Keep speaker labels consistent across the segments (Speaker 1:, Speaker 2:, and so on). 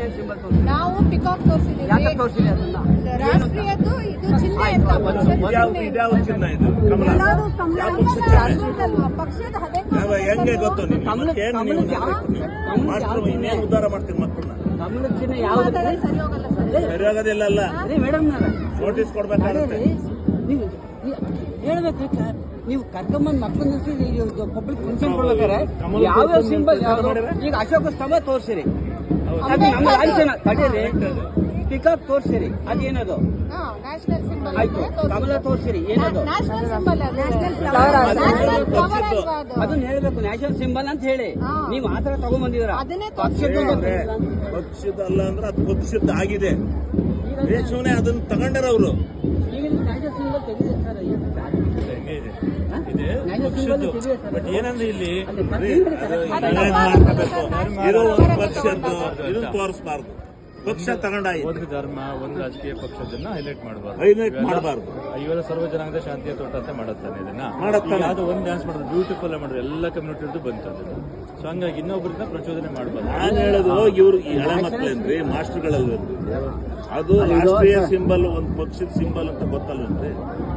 Speaker 1: Symbol
Speaker 2: ನಾವು peacock ತೋರಿಸಿದ್ದೀವಿ.
Speaker 1: ಯಾಕೆ ತೋರಿಸಿದೆ ಅದನ್ನ?
Speaker 2: ರಾಷ್ಟ್ರೀಯದ್ದು ಇದು ಚಿಹ್ನೆ ಅಂತ
Speaker 3: ಇದ್ಯಾವ ಚಿನ್ನ ಇದು? ಕಮಲ
Speaker 2: ಎಲ್ಲರೂ
Speaker 3: ಯಾವ ಪಕ್ಷದ ಚಿಹ್ನೆ?
Speaker 2: ಪಕ್ಷದ ಅದೇ
Speaker 3: ಹೆಂಗೆ ಗೊತ್ತು ನಿಮ್ಗೆ?
Speaker 1: ಕಮಲ-
Speaker 3: ಮತ್ತೇನು ನೀವು ಮಾಸ್ಟರ್ ಇನ್ನೇನು ಉದ್ಧಾರ ಮಾಡ್ತೀರಿ ಮಕ್ಕಳನ್ನ?
Speaker 1: ಕಮಲದ ಚಿಹ್ನೆ ಯಾವ್ದು?
Speaker 2: ಸರಿ ಹೋಗಲ್ಲ ಸರ್.
Speaker 3: ಸರಿಯಾಗೋದಿಲ್ಲ ಅಲ್ಲ,
Speaker 1: ಅದೇ ಮೇಡಮ್
Speaker 3: ನೋಟಿಸ್ ಕೊಡ್ಬೇಕಾಗುತ್ತೆ.
Speaker 1: ನೀವು ಹೇಳ್ಬೇಕು. ನೀವು ಕರ್ಕೊಂಬಂದ್ ಮಕ್ಕಳನ್ನ ಪಬ್ಲಿಕ್ ಫಂಕ್ಷನ್ ಕೊಡ್ಬೇಕಾರೆ ಯಾವ್ಯಾವ ಸಿಂಬಲ್ ಯಾವ್ದು? ಈಗ ಅಶೋಕ ಸ್ತಂಭ ತೋರ್ಸಿರಿ, ಅದು ನಮ್ಮ ಲಾಂಛನ ತಡೀರಿ. ಪಿಕಾಕ್ ತೋರ್ಸಿರಿ, ಅದೇನದು?
Speaker 2: ನ್ಯಾಷನಲ್ ಸಿಂಬಲ್
Speaker 1: ಆಯ್ತು. ಕಮಲ ತೋರ್ಸಿರಿ, ಏನದು?
Speaker 2: ನ್ಯಾಷನಲ್ ಸಿಂಬಲ್
Speaker 1: ಅದನ್ನ ಹೇಳ್ಬೇಕು, ನ್ಯಾಷನಲ್ ಸಿಂಬಲ್ ಅಂತ ಹೇಳಿ. ನೀವು ಆತರ ತಗೊಂಡ್ಬಂದಿದ್ರ
Speaker 2: ಅದನ್ನೇ
Speaker 3: ಪಕ್ಷದಲ್ಲ ಅಂದ್ರೆ ಅದು ಪಕ್ಷದ ಆಗಿದೆ. ದೇಶವನ್ನೇ ಅದನ್ನ ತಗೊಂಡಾರ ಅವರು.
Speaker 1: ಈಗ ನ್ಯಾಷನಲ್ ಸಿಂಬಲ್ ತೆಗಿದೆ ಸರ್.
Speaker 3: ಬಟ್ ಏನಂದ್ರೆ ಇಲ್ಲಿ ಮಾಡ್ಕೋಬೇಕು, ಇದು ಒಂದು ಪಕ್ಷದ್ದು, ಇದನ್ನ ತೋರಿಸಬಾರ್ದು. ಪಕ್ಷ ತಗೊಂಡಾಯ್ತು,
Speaker 4: ಒಂದು ಧರ್ಮ ಒಂದು ರಾಜಕೀಯ ಪಕ್ಷದನ್ನ ಹೈಲೈಟ್ ಮಾಡಬಾರ್ದು.
Speaker 3: ಇವೆಲ್ಲ
Speaker 4: ಸರ್ವ ಜನಾಂಗದ ಶಾಂತಿಯ ತೋಟ ಅಂತ ಮಾಡುತ್ತಾನೆ ಇದನ್ನ.
Speaker 3: ಮಾಡುತ್ತಾನೆ.
Speaker 4: ಅದು ಒಂದು ಡ್ಯಾನ್ಸ್ ಮಾಡಿದ್ರು ಬ್ಯೂಟಿಫುಲ್ ಮಾಡಿದ್ರು, ಎಲ್ಲ ಕಮ್ಯುನಿಟಿ ಬಂತದ್ದು. ಸೊ ಹಂಗಾಗಿ ಇನ್ನೊಬ್ಬರನ್ನ ಪ್ರಚೋದನೆ ಮಾಡಬಾರ್ದು.
Speaker 3: ನಾನು ಹೇಳೋದು ಇವ್ರು ಈ ಹಳೆ ಮಕ್ಕಳೇನ್ರಿ, ಮಾಸ್ಟರ್ಗಳಲ್ವೇನ್ರಿ? ಅದು ರಾಷ್ಟ್ರೀಯ ಸಿಂಬಲ್, ಒಂದು ಪಕ್ಷದ ಸಿಂಬಲ್ ಅಂತ ಗೊತ್ತಲ್ವೇನ್ರಿ?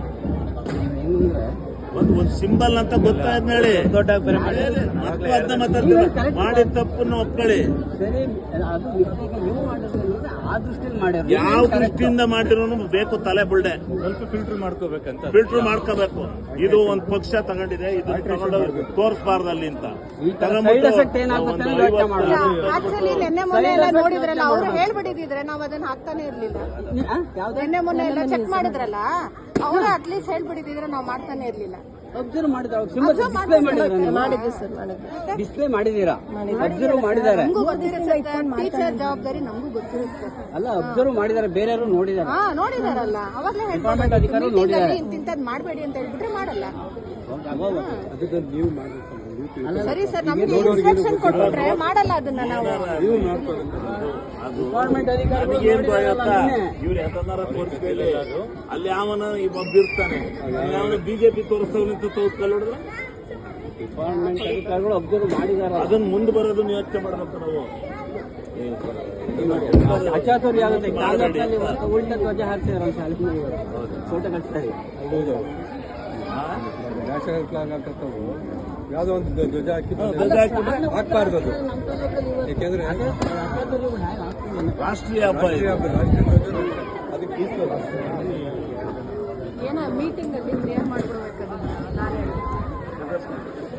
Speaker 3: ಒಂದು ಸಿಂಬಲ್ ಅಂತ ಗೊತ್ತಾಯ್ತು ಹೇಳಿ.
Speaker 4: ದೊಡ್ಡ ಬೇರೆ
Speaker 3: ಮಕ್ಕಳು ಅದನ್ನ ಮಾತಾಡ್ತಾರೆ, ಮಾಡಿದ ತಪ್ಪನ್ನು ಒಪ್ಕೊಳ್ಳಿ.
Speaker 1: ಸರಿ, ಅದು ಮಿಸ್ಟೇಕ್ ನೀವು ಮಾಡಿದ್ರೆ ಆ ದೃಷ್ಟಿಯಲ್ಲಿ ಮಾಡ್ಯಾರ.
Speaker 3: ಯಾವ ದೃಷ್ಟಿಯಿಂದ ಮಾಡಿರೋನು ಬೇಕು ತಲೆ ಬುಳ್ಳೆ.
Speaker 4: ಸ್ವಲ್ಪ ಫಿಲ್ಟರ್ ಮಾಡ್ಕೋಬೇಕಂತ.
Speaker 3: ಫಿಲ್ಟರ್ ಮಾಡ್ಕೋಬೇಕು. ಇದು ಒಂದು ಪಕ್ಷ ತಗೊಂಡಿದೆ, ಇದು ತಗೊಂಡು ತೋರಿಸಬಾರ್ದು ಅಲ್ಲಿ ಅಂತ
Speaker 2: ಆಕ್ಚುಲಿ ನಿನ್ನೆ ಮೊನ್ನೆ ಎಲ್ಲ ನೋಡಿದ್ರಲ್ಲ, ಅವರು ಹೇಳ್ಬಿಟ್ಟಿದ್ರೆ ನಾವು ಅದನ್ನ ಹಾಕ್ತಾನೆ ಇರ್ಲಿಲ್ಲ. ನಿನ್ನೆ ಮೊನ್ನೆ ಎಲ್ಲ ಚೆಕ್ ಮಾಡಿದ್ರಲ್ಲ, ಅವರು ಅಟ್ಲೀಸ್ಟ್ ಹೇಳ್ಬಿಟ್ಟಿದ್ರೆ ನಾವು ಮಾಡ್ತಾನೆ ಇರ್ಲಿಲ್ಲ.
Speaker 1: ಅಬ್ಸರ್ವ್ ಮಾಡಿದ್ರೆ ಡಿಸ್ಪ್ಲೇ ಮಾಡಿದೀರಾ? ಅಬ್ಸರ್ವ್ ಮಾಡಿದ್ದಾರೆ.
Speaker 2: ಟೀಚರ್ ಜವಾಬ್ದಾರಿ ನಮಗೂ ಗೊತ್ತಿರುತ್ತೆ.
Speaker 1: ಅಲ್ಲ, ಅಬ್ಸರ್ವ್ ಮಾಡಿದ್ದಾರೆ, ಬೇರೆಯವರು ನೋಡಿದ್ದಾರೆ.
Speaker 2: ನೋಡಿದಾರಲ್ಲ, ಅವಾಗಲೇ
Speaker 1: ಡಿಪಾರ್ಟ್ಮೆಂಟ್ ಅಧಿಕಾರಿಗಳು ನೋಡಿದ್ದಾರೆ.
Speaker 2: ಇಂತಿಂತದ್ ಮಾಡಬೇಡಿ ಅಂತ ಹೇಳ್ಬಿಟ್ರೆ ಮಾಡಲ್ಲ.
Speaker 1: ಅಲ್ಲ,
Speaker 2: ಸರಿ ಸರ್, ನಮ್ಗೆ ಇನ್ಸ್ಟ್ರಕ್ಷನ್ ಕೊಟ್ಬಿಟ್ರೆ ಮಾಡಲ್ಲ ಅದನ್ನ ನಾವು.
Speaker 1: ಡಿಪಾರ್ಟ್ಮೆಂಟ್ ಅಧಿಕಾರಿಗಳು
Speaker 3: ಏನ್ ಇವ್ರು ಯಾವ್ದನ್ನಾರ ತೋರಿಸ್ಬೇಡಿ. ಅಲ್ಲಿ ಯಾವನ ಒಬ್ಬ ಇರ್ತಾನೆ, ಯಾವನ ಬಿಜೆಪಿ ತೋರಿಸ್ತವ್ರು ತೋರಿಸ್ಕೊಳ್ಳೋದ್ರೆ
Speaker 1: ಡಿಪಾರ್ಟ್ಮೆಂಟ್ ಅಧಿಕಾರಿಗಳು ಅಬ್ಸರ್ವ್ ಮಾಡಿದ್ದಾರೆ.
Speaker 3: ಅದನ್ನ ಮುಂದೆ ಬರೋದನ್ನ ಯೋಚನೆ ಮಾಡ್ಬೇಕು ನಾವು.
Speaker 1: ಅಚಾತುರ್ಯ ಆಗುತ್ತೆ. ಕಾಂಗ್ರೆಸ್ನಲ್ಲಿ ಉಲ್ಟ ಧ್ವಜ ಹಾಕ್ತಿದಾರೆ ಅಂತ ಶಾಲೆಯಲ್ಲಿ ಫೋಟೋ ಕಳಿಸ್ತಾರೆ.
Speaker 5: ನ್ಯಾಷನಲ್ ಫ್ಲಾಗ್ ಹಾಕತ್ತವು ಯಾವುದೋ ಒಂದು ಧ್ವಜ ಹಾಕ್ಬಾರ್ದು. ಅದು ಯಾಕೆಂದ್ರೆ
Speaker 3: ರಾಷ್ಟ್ರೀಯ ಹಬ್ಬ,
Speaker 5: ಅದಕ್ಕೆ
Speaker 2: ಏನೋ ಮೀಟಿಂಗ್ ಅಲ್ಲಿ ಕ್ಲಿಯರ್ ಮಾಡ್ಕೊಡ್ಬೇಕು.